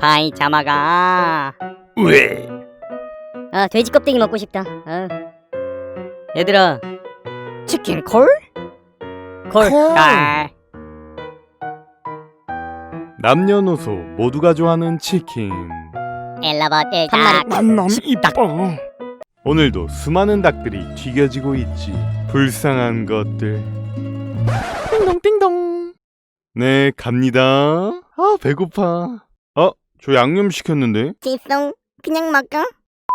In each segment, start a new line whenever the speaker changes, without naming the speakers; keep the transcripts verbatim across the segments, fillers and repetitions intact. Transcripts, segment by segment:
파이 자마가.
왜?
아, 돼지 껍데기 먹고 싶다. 어. 얘들아, 치킨 콜? 콜.
콜.
아.
남녀노소 모두가 좋아하는 치킨.
엘라버트
한 마리 남남 이뻐.
오늘도 수많은 닭들이 튀겨지고 있지. 불쌍한 것들. 띵동띵동. 네, 갑니다. 아, 배고파. 어, 저 양념 시켰는데.
지송 그냥 먹어.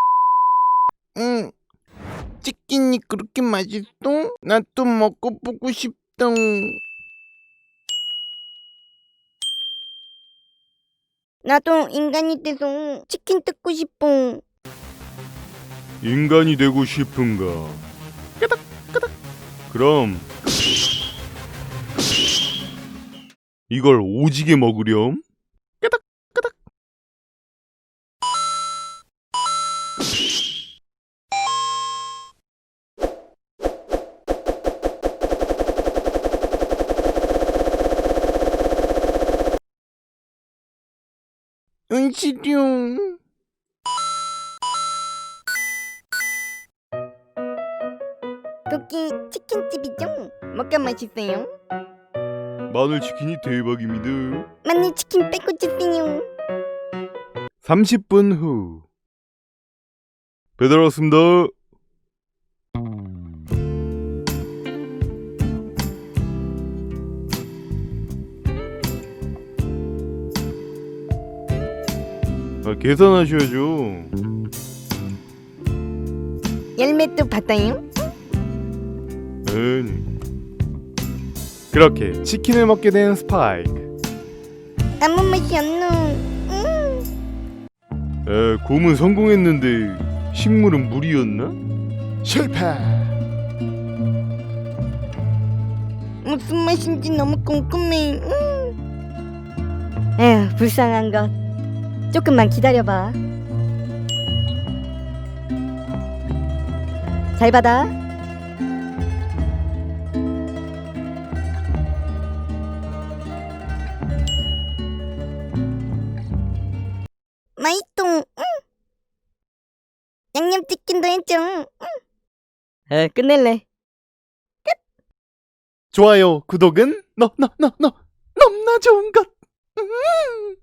응. 치킨이 그렇게 맛있어? 나 또 먹고 보고 싶다.
나도 인간이 돼서 치킨 뜯고 싶어.
인간이 되고 싶은가? 그럼 이걸 오지게 먹으렴?
은시룡.
거기 치킨집이죠? 뭐가 맛있어요?
마늘 치킨이 대박입니다.
마늘 치킨 빼고 주세요.
삼십 분 후. 배달 왔습니다. 아, 계산하셔야죠.
열매도 받아요?
네. 그렇게 치킨을 먹게 된 스파이크.
아무 맛이 안 나. 음.
에, 곰은 성공했는데 식물은 물이었나?
실패.
무슨 맛인지 너무 궁금해. 음. 에휴, 불쌍한 것. 조금만 기다려봐. 잘 받아. 맛있어. 응. 양념치킨도 해줘. 응. 에, 끝낼래.
좋아요, 구독은 너, 너, 너, 너, 너무나 좋은 것. 음.